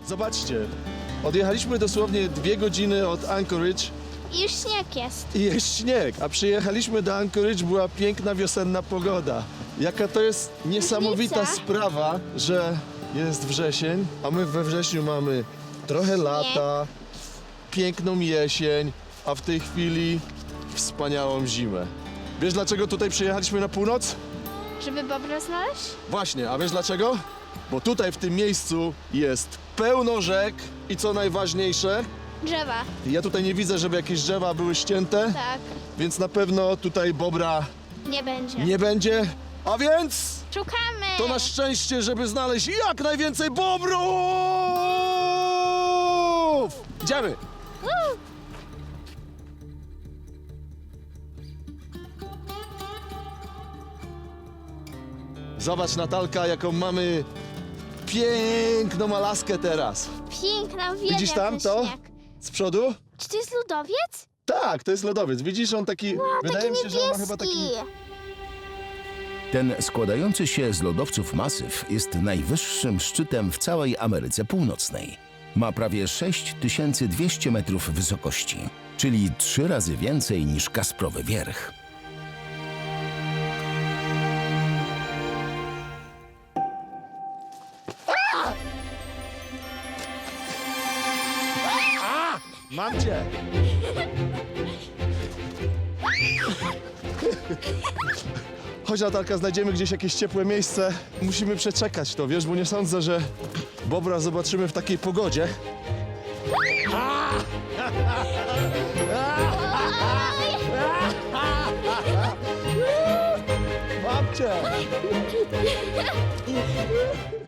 Zobaczcie, odjechaliśmy dosłownie 2 godziny od Anchorage I już śnieg jest. i jest śnieg, a przyjechaliśmy do Anchorage, była piękna wiosenna pogoda. Jaka to jest niesamowita Różnica. sprawa, że jest wrzesień, a my we wrześniu mamy trochę lata, piękną jesień, a w tej chwili wspaniałą zimę. Wiesz, dlaczego tutaj przyjechaliśmy na północ? Żeby bobra znaleźć? Właśnie, a wiesz dlaczego? Bo tutaj w tym miejscu jest pełno rzek i co najważniejsze, Drzewa. ja tutaj nie widzę, żeby jakieś drzewa były ścięte, Tak. więc na pewno tutaj bobra Nie będzie. nie będzie. A więc Szukamy! to na szczęście, żeby znaleźć jak najwięcej bobrów! Idziemy! Zobacz, Natalka, jaką mamy piękną Alaskę teraz. Piękna, uwielbiam Widzisz tam ten to? śnieg. Z przodu? Czy to jest lodowiec? Tak, to jest lodowiec. Widzisz, on taki... wydaje mi się, że on ma chyba taki... Ten składający się z lodowców masyw jest najwyższym szczytem w całej Ameryce Północnej. Ma prawie 6200 metrów wysokości, czyli 3 razy więcej niż Kasprowy Wierch. Mam cię! Chodź, Natalka, znajdziemy gdzieś jakieś ciepłe miejsce. Musimy przeczekać to, wiesz, bo nie sądzę, że bobra zobaczymy w takiej pogodzie. Mam cię!